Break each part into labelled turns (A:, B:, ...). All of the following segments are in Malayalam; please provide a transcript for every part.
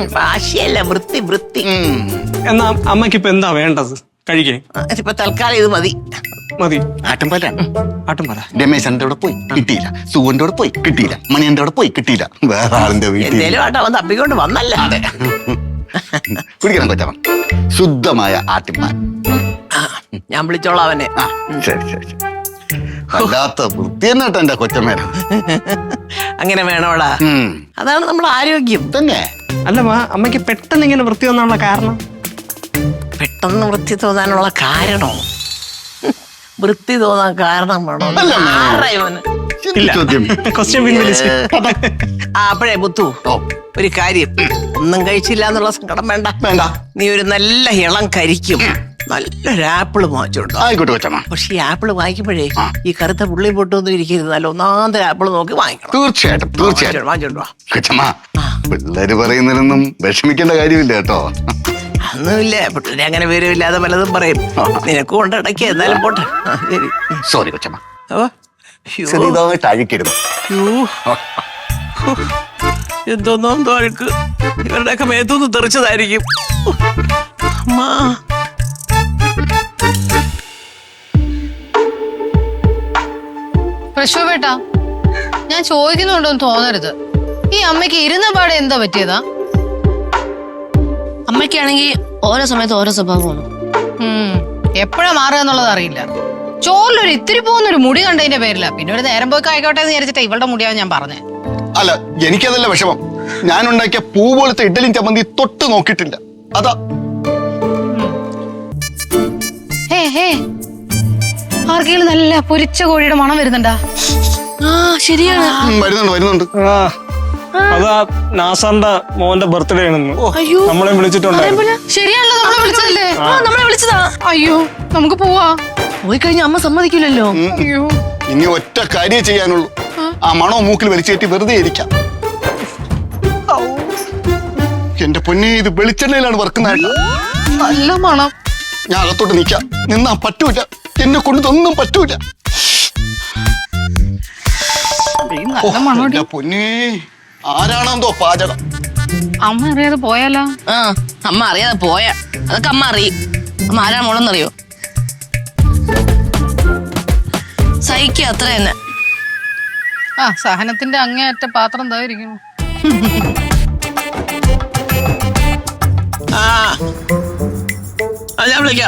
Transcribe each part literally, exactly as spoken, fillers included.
A: വാശിയല്ല, വൃത്തി വൃത്തി.
B: എന്നാ അമ്മയ്ക്ക് ഇപ്പൊ എന്താ വേണ്ടത് കഴിക്കേ?
A: ഇപ്പൊ തൽക്കാലം ഇത് മതി.
B: മതി.
C: ആട്ടുംപാലാണ്.
B: ആട്ടുംപാല.
C: രമേശന്റെ അവിടെ പോയി കിട്ടിയില്ല, സുവന്റെ അവിടെ പോയി കിട്ടിയില്ല, മണിയന്റെ അവിടെ പോയി കിട്ടിയില്ല, വേറെ ആളിന്റെ വീട്ടിൽ
A: എന്തേലും ആട്ടോ അവൻ തപ്പിക്കൊണ്ട് വന്നല്ല.
C: കുടിക്കണം കൊച്ചമ്മ, ശുദ്ധമായ ആട്ടിൻപാൽ.
A: ഞാൻ വിളിച്ചോളാം അവനെ.
C: ആ ശരി ശരി ശരി. വല്ലാത്ത വൃത്തി തന്നെ കേട്ടോ എന്റെ കൊച്ചമ്മേന.
A: അങ്ങനെ വേണോടാ, അതാണ് നമ്മുടെ ആരോഗ്യം
C: തന്നെ.
B: അല്ല അമ്മയ്ക്ക് പെട്ടെന്ന് ഇങ്ങനെ വൃത്തി വന്നാനുള്ള കാരണം?
A: പെട്ടെന്ന് വൃത്തി തോന്നാനുള്ള കാരണോ? വൃത്തി തോന്നാൻ കാരണം വേണോ? അപ്പോഴേ മുത്തു, ഒരു കാര്യം, ഒന്നും കഴിച്ചില്ല എന്നുള്ള സങ്കടം വേണ്ട.
C: വേണ്ട.
A: നീ ഒരു നല്ല ഇളം കരിക്കും നല്ലൊരു ആപ്പിള് വാങ്ങിച്ചോണ്ടോ.
C: ആയിക്കോട്ടെ കൊച്ചമ്മ.
A: പക്ഷെ ഈ ആപ്പിള് വാങ്ങിക്കുമ്പോഴേ ഈ കറുത്ത പുള്ളി പൊട്ടൊന്നും ഇരിക്കരുത്, നല്ല ഒന്നാന്തര ആപ്പിള് നോക്കി വാങ്ങിക്കണം.
C: തീർച്ചയായിട്ടും തീർച്ചയായിട്ടും
A: വാങ്ങിച്ചോണ്ടോ.
C: കൊച്ചമ്മ, പിള്ളേര് പറയുന്നതിലൊന്നും വിഷമിക്കേണ്ട കാര്യമില്ല കേട്ടോ.
A: ഒന്നുമില്ല, പിള്ളേരെ അങ്ങനെ വിവരമില്ലാതെ പലതും പറയും. നിനക്ക് കൊണ്ട് ഇടയ്ക്ക് എന്നാലും പോട്ടെ. ശരി.
C: സോറി കൊച്ചമ്മ, ചെറിയതായിട്ട് അഴിക്കരുത്.
A: എന്തോന്നോ എന്തോ അഴുക്ക് ഇവരുടെയൊക്കെ മേത്തൊന്ന് തെറിച്ചതായിരിക്കും. അമ്മാ,
D: പ്രശോഭേട്ടാ, ഞാൻ ചോദിക്കുന്നുണ്ടോന്ന് തോന്നരുത്. ഈ അമ്മയ്ക്ക് ഇരുന്ന പാടെ എന്താ പറ്റിയതാ?
E: അമ്മയ്ക്കാണെങ്കിൽ ഓരോ സമയത്ത് ഓരോ സ്വഭാവമാണ്.
D: എപ്പോഴാ മാറുക എന്നുള്ളത് അറിയില്ല. ചോറിലൊരു ഇത്തിരി പോകുന്നൊരു മുടി കണ്ടതിന്റെ പേരില്ല. പിന്നെ ഒരു നേരം പോയി ആയിക്കോട്ടെ എന്ന് വിചാരിച്ചിട്ട് ഇവളുടെ മുടിയാവും ഞാൻ പറഞ്ഞേ.
C: അല്ല, എനിക്കതല്ല വിഷമം. ഞാൻ ഉണ്ടാക്കിയ പൂ പോലത്തെ ഇഡ്ഡലിയും ചമ്മന്തി തൊട്ട് നോക്കിയിട്ടില്ല, അതാ.
D: ആർക്കെങ്കിലും നല്ല പൊരിച്ച കോഴിയുടെ മണം വരുന്നുണ്ടാ?
E: ആ ശരിയാണ്,
C: വരുന്നുണ്ട് വരുന്നുണ്ട്.
B: അതാ നാസാറിന്റെ മോന്റെ ബർത്ത്ഡേ ആണെന്ന് നമ്മളെ വിളിച്ചിട്ടുണ്ടായിരുന്നു.
D: ശരിയാണല്ലോ, നമ്മളെ വിളിച്ചതല്ലേ?
E: നമ്മളെ വിളിച്ചതാ.
D: അയ്യോ, നമുക്ക് പോവാ.
E: പോയി കഴിഞ്ഞ അമ്മ സമ്മതിക്കില്ലല്ലോ.
D: അയ്യോ,
C: ഇനി ഒറ്റ കാര്യം ചെയ്യാനുള്ളൂ, ആ മണോ മൂക്കിൽ വലിച്ചേറ്റി വെറുതെ ഇരിക്കാം. എന്റെ പൊന്നെ, ഇത് വെളിച്ചെണ്ണയിലാണ് വറുക്കുന്നതായിട്ട്.
D: നല്ല മണം.
C: ഞാൻ അകത്തോട്ട് നിൽക്കാം, നിന്നാ പറ്റൂല, എന്നെ കൊണ്ട് ഇതൊന്നും പറ്റൂല. എന്റെ പൊന്നെ, ആരാണെന്തോ പാചകം.
D: അമ്മ അറിയാതെ പോയാലോ?
E: ആ, അമ്മ അറിയാതെ പോയ അതൊക്കെ അമ്മ അറിയും. അമ്മ ആരാ മോളെന്നറിയോ? സഹിക്കുക, അത്ര തന്നെ.
D: ആ, സഹനത്തിന്റെ അങ്ങേയറ്റ പാത്രം എന്തായിരിക്കുന്നു.
A: ഞാൻ വിളിക്കാം.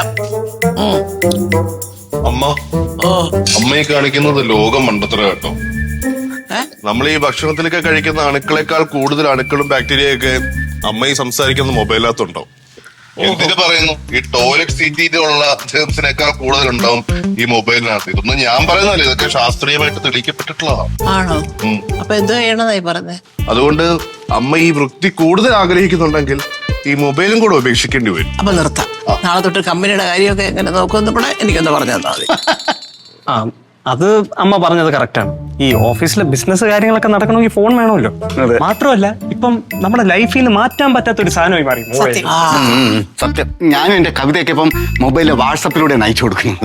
F: അമ്മ, അമ്മയെ കാണിക്കുന്നത് ലോകം മണ്ടത്തര കേട്ടോ. നമ്മൾ ഈ ഭക്ഷണത്തിലൊക്കെ കഴിക്കുന്ന അണുക്കളെക്കാൾ കൂടുതൽ അണുക്കളും ബാക്ടീരിയയൊക്കെ അമ്മ ഈ സംസാരിക്കുന്ന മൊബൈലിനകത്തുണ്ടാവും. എന്തിനു പറയുന്നു, ഈ ടോയ്ലറ്റ് സീറ്റിലുള്ള ജേംസിനേക്കാൾ കൂടുതൽ ഉണ്ടാവും ഈ മൊബൈലിനകത്ത്. ഇതൊന്നും ഞാൻ പറയുന്നതല്ല, ഇതൊക്കെ ശാസ്ത്രീയമായിട്ട് തെളിയിക്കപ്പെട്ടിട്ടുള്ളതാണ്.
A: ആണോ? അപ്പൊ എന്തോ ചെയ്യണതായി പറഞ്ഞേ?
F: അതുകൊണ്ട് അമ്മ ഈ വൃത്തി കൂടുതൽ ആഗ്രഹിക്കുന്നുണ്ടെങ്കിൽ ഈ മൊബൈലും കൂടെ ഉപേക്ഷിക്കേണ്ടി വരും.
A: അപ്പൊ നിർത്താം. നാളെ തൊട്ട് കമ്പനിയുടെ കാര്യമൊക്കെ എങ്ങനെ നോക്കുമെന്ന് കൂടെ എനിക്കൊന്ന് പറഞ്ഞു തന്നാ മതി.
B: ആ, അത് അമ്മ പറഞ്ഞത് കറക്റ്റാണ്. ഈ ഓഫീസിലെ ബിസിനസ് കാര്യങ്ങളൊക്കെ നടക്കണമെങ്കിൽ ഫോൺ വേണമല്ലോ. മാത്രമല്ല ഇപ്പം നമ്മുടെ ലൈഫിൽ നിന്ന് മാറ്റാൻ പറ്റാത്ത ഒരു സാധനമായി മാറി മൊബൈൽ.
C: സത്യം, ഞാനും എന്റെ കവിതയൊക്കെ ഇപ്പം മൊബൈലിലെ വാട്സപ്പിലൂടെ അയച്ചു കൊടുക്കുന്നത്.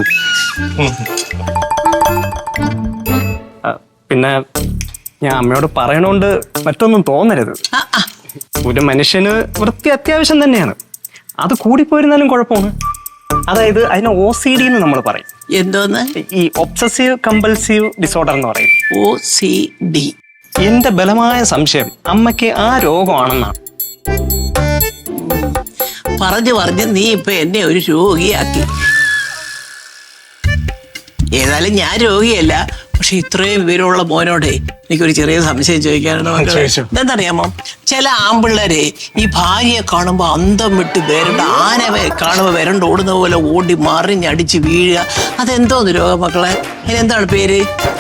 B: പിന്നെ ഞാൻ അമ്മയോട് പറയണോണ്ട് മറ്റൊന്നും തോന്നരുത്. ഒരു മനുഷ്യന് വൃത്തി അത്യാവശ്യം തന്നെയാണ്, അത് കൂടിപ്പോയിരുന്നാലും കുഴപ്പമാണ്. അതായത് അതിനെ ഒ സി ഡി എന്ന് നമ്മൾ പറയും.
A: എന്തോന്ന്?
B: ഈ ഒബ്സസീവ് കമ്പൽസീവ് ഡിസോർഡർ എന്ന് പറയും,
A: ഒ സി ഡി.
B: എന്റെ ബലമായ സംശയം അമ്മയ്ക്ക് ആ രോഗമാണെന്നാണ്.
A: പറഞ്ഞു പറഞ്ഞ് നീ ഇപ്പൊ എന്നെ ഒരു രോഗിയാക്കി. ഏതായാലും ഞാൻ രോഗിയല്ല, പക്ഷെ ഇത്രയും വിവരമുള്ള മോനോടെ എനിക്കൊരു ചെറിയ സംശയം ചോദിക്കാനാണ്. എന്താണെന്നറിയാമോ, ചില ആമ്പിള്ളേരെ ഈ ഭാര്യയെ കാണുമ്പോ അന്തം വിട്ട് വരണ്ട, ആനവെ കാണുമ്പോ വരണ്ട ഓടുന്ന പോലെ ഓടി മറിഞ്ഞടിച്ച് വീഴുക. അതെന്തോന്ന് രോഗം മക്കളെ? അതിനെന്താണ് പേര്?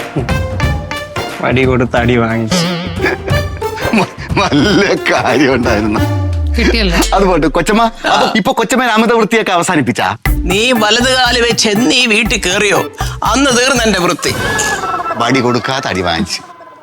B: വടി കൊടുത്ത് അടി വാങ്ങിച്ചു.
C: നല്ല കാര്യം ഉണ്ടായിരുന്നു. അതുപോലെ കൊച്ചമ്മ, ഇപ്പൊ കൊച്ചമ്മ അമിത വൃത്തിയൊക്കെ അവസാനിപ്പിച്ചാ?
A: നീ വലത് കാല് വെച്ച് എന്നീ വീട്ടിൽ കേറിയോ അന്ന് തീർന്ന എന്റെ വൃത്തി.
C: വടി കൊടുക്കാതെ അടി വാങ്ങിച്ചു.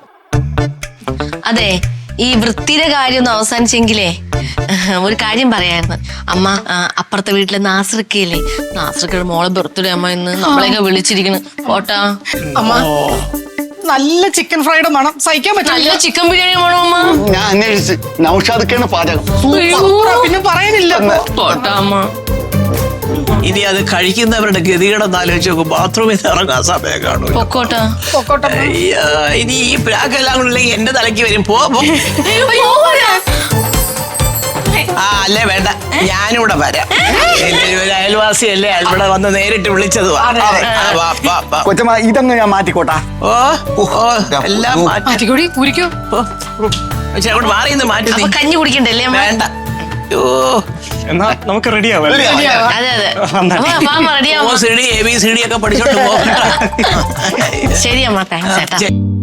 E: അതെ, ഈ വൃത്തിയുടെ കാര്യം ഒന്ന് അവസാനിച്ചെങ്കിലേ ഒരു കാര്യം പറയായിരുന്നു. അമ്മ, അപ്പുറത്തെ വീട്ടിലെ നാസൃക്കയില്ലേ, നാസൃക്കയുടെ മോളെ ബർത്ത്ഡേ അമ്മ ഇന്ന് നമ്മളെയൊക്കെ വിളിച്ചിരിക്കുന്നു. പോട്ടാ
D: അമ്മ,
G: നല്ല ചിക്കൻ ഫ്രൈഡ് മണം സഹിക്കാൻ
E: നല്ല
G: പറ്റില്ല.
E: ചിക്കൻ ബിരിയാണി വേണോ അമ്മ?
C: ഞാൻ അന്വേഷിച്ച് നൗഷാദൊക്കെയാണ് പാചകം.
G: സൂപ്പറാ, പിന്നെ പറയാനില്ല.
E: പോട്ടാ അമ്മ.
A: ഇനി അത് കഴിക്കുന്നവരുടെ ഗതികേടെന്ന് ആലോചിച്ച് നോക്കും. ബാത്റൂമിൽ നിന്ന് ഇറങ്ങാൻ സമയം കാണൂല.
E: പൊക്കോട്ടാ.
G: പൊക്കോട്ടെ.
A: അയ്യോ, ഇനി ഈ പ്രാക്കെല്ലാം കൊണ്ടില്ലെങ്കിൽ എന്റെ തലയ്ക്ക് വരും. പോ പോ. ആ അല്ലേ വേണ്ട, ഞാനിവിടെ വരാം. എന്റെ ഒരു അയൽവാസിയല്ലേ, ഇവിടെ വന്ന് നേരിട്ട് വിളിച്ചത്.
C: കൊച്ചമ്മ ഇതങ്ങ് ഞാൻ മാറ്റിക്കോട്ടാ.
A: ഓ ഓ എല്ലാം മാറ്റി.
D: മാറ്റിക്കൂടി കുരിക്കോ.
A: പക്ഷെ അങ്ങോട്ട് മാറി നിന്ന് മാറ്റി.
E: അപ്പൊ കഞ്ഞി കുടിക്കണ്ടല്ലേ അമ്മ?
A: വേണ്ട. ഓ
B: എന്നാ നമുക്ക് റെഡി ആവാം.
E: അതെ അതെ. അമ്മ റെഡിയാവും.
A: ഓ C D A B C D ഒക്കെ പഠിച്ചോണ്ട് പോ.
E: ശരി അമ്മ, താങ്ക്സ് ചേട്ടാ.